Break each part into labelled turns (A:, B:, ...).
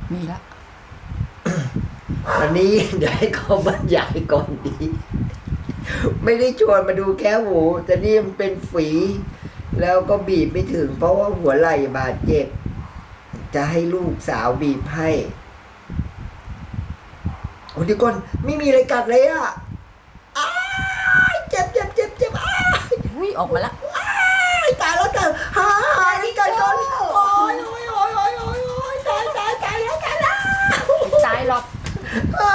A: มีละ
B: อันนี้เดี๋ยวให้เขาบรรยายก่อนดี ไม่ได้ชวนมาดูแค่หูแต่นี่มันเป็นฝี แล้วก็บีบไม่ถึง เพราะว่าหัวไหล่บาดเจ็บ จะให้ลูกสาวบีบให้โอ้เดี๋ยวก่อนไม่มีอะไรกัดเลยอ่ะอ้ายเจ็บอ้าย
A: อุ้ยออกมาละ
B: อ้ายตายแล้วหานี่กัดก่อนโอ้ยตายแล้ว
A: ตายหรอก
B: อ่า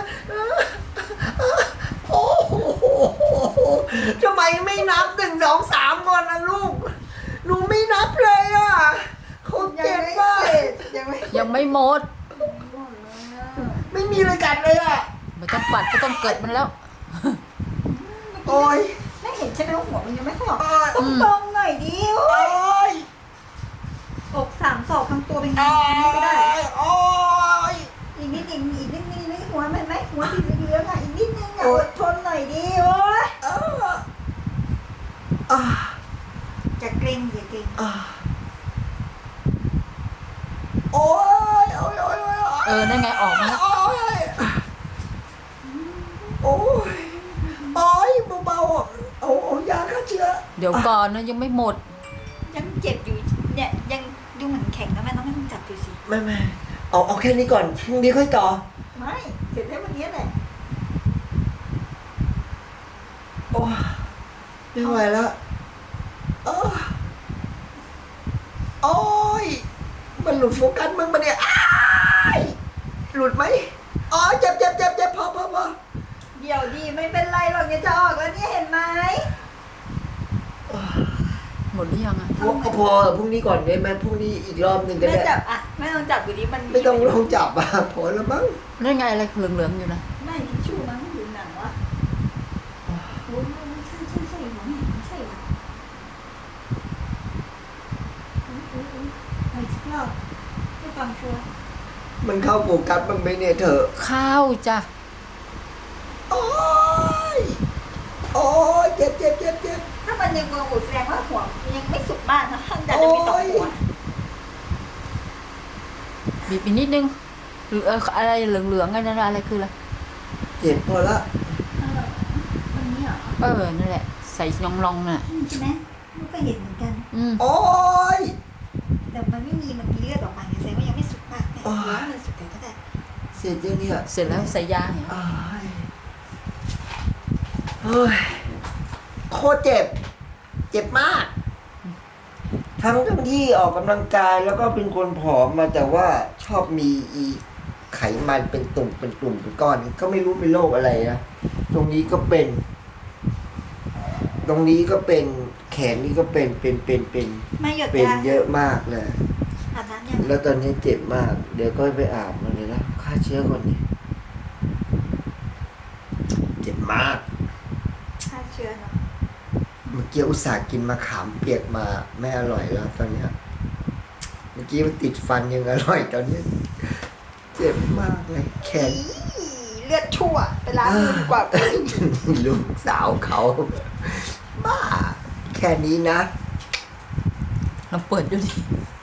B: โอ้โหทำไมไม่นับ1 2 3ก่อนนะลูกหนูไม่นับเลยอ่ะเขาเจ็บมาก
A: ยังไม่หมด
B: ไม่มีอะไรกัดเลยอ่ะ
A: ไม่ต้องปัดไม่ต้องเกิดมันแล้ว
B: โอ้ย
C: ไม่เห็นใช่ไหมว่าหัวมันยังไม่ค่อยออก
B: โอ้ย
C: ตรงๆหน่อยดิ
B: โอ้ย
C: อก3 ศอกทำตัวเป็นไง
B: โอ้
C: ไม่ได้
B: ยโอ้ย
C: อีกนิดนึงหัวมันไหมหัวสีเหลืองๆอ่ะอีกนิดนึงอ่ะอดทนหน่อยดิโอ้ย
B: อ่า
C: อย่าเกรงอย่าเกรง
B: อ่าโอ้ย
A: นั่นไงออกมาแล้ว
B: โอ้ยโอ้ยโอ้ยเบาๆเอายาฆ่าเชื้อ
A: เดี๋ยวก่อนนะยังไม่หมด
C: ยังเจ็บอยู่เนี่ยยังดูเหมือนแข็งนะแม่น้องไม่ต้องจับดูสิ
B: ไม่เอาแค่นี้ก่อนพรุ่งนี้ค่อยต่อ
C: ไม่เสร็จแล้ววันนี้แหละ
B: โอ้ยไม่ไหวแล้วโอ้ยมันหลุดโฟกัสมึงมาเนี่ยอ้ายหลุดไหมอ๋อเจ็บพอ
C: เดี๋ยวดีไม่เป็นไรหรอกเนี่ยจะออกแล้วเนี่ยเห็นไหม
A: หมดหรือยังอ่ะ
B: พอพรุ่งนี้ก่อนได้ไหมพรุ่งนี้อีกรอบหนึ่งก็
C: แม่
B: ได้
C: จับอ่ะแม่ลองจับดูดิมัน
B: ไม่ต้องลองจับอ่ะพอแล้วมั้ง
A: นั่นไงอะไรเหลืองๆอยู่นะ
C: ไม่ทิชชู่มั้งหรือหนังวะโอ้ยไม่ใช่หัวแม่ไม่ใช่วะไปสักรอบให้ฟังชัวร์
B: มันเข้าโฟกัสบ้างไหมเนี่ยเธอ
A: ข้าวจ้ะ
B: โอ้ยเจ็บ
C: ถ้ามันยังงงอยู่แสดงว่าหัวยังไม่สุกมากนะท่านจะมี2 หัว
A: บีบอีกนิดนึงอะไรเหลืองๆไงนั่นอะไรคืออะไร
B: เจ็บพอละ
C: ตรงนี้เหรอ
A: นั่นแหละใส่ยองลองน่ะ
C: ใช่ไหมลูกก็เห็นเหมือนกัน
B: โอ้ย
C: แต่มันไม่มีเลือดออกมาไงแสดงว่ายังไม่สุกมากแต่เดี๋ยวมันสุกกันก็ได้
B: เสร็จยังเนี่ย
A: เสร็จแล้วใส่ยาเนี่ย
B: อ้ายเฮ้ยโคตรเจ็บมาก ทั้งที่ออกกำลังกายแล้วก็เป็นคนผอมมาแต่ว่าชอบมีไขมันเป็นตุ่มเป็นก้อน ก็ไม่รู้เป็นโรคอะไรนะตรงนี้ก็เป็น ตรงนี้ก็เป็นแขนนี่ก็เป็น
C: ไม่หยด
B: เป็น
C: ยา
B: เยอะมากเลย
C: อาบน้ำยัง
B: แล้วตอนนี้เจ็บมาก เดี๋ยวก็ไปอาบมันเลยนะฆ่าเชื้อก่อนนี่เจ็บมาก
C: ฆ่าเชื้อเนาะ
B: เมื่อกี้อุตส่าห์กินมะขามเปียกมาไม่อร่อยแล้วตอนเนี้ยเมื่อกี้มันติดฟันยังอร่อยตอนนี้ เจ็บมากเลยแขน
C: อีเลือดชั่วไปล้างมือดีกว่า
B: ลูกสาวเขาบ้า แค่นี้นะ
A: ลองเปิดดูดิ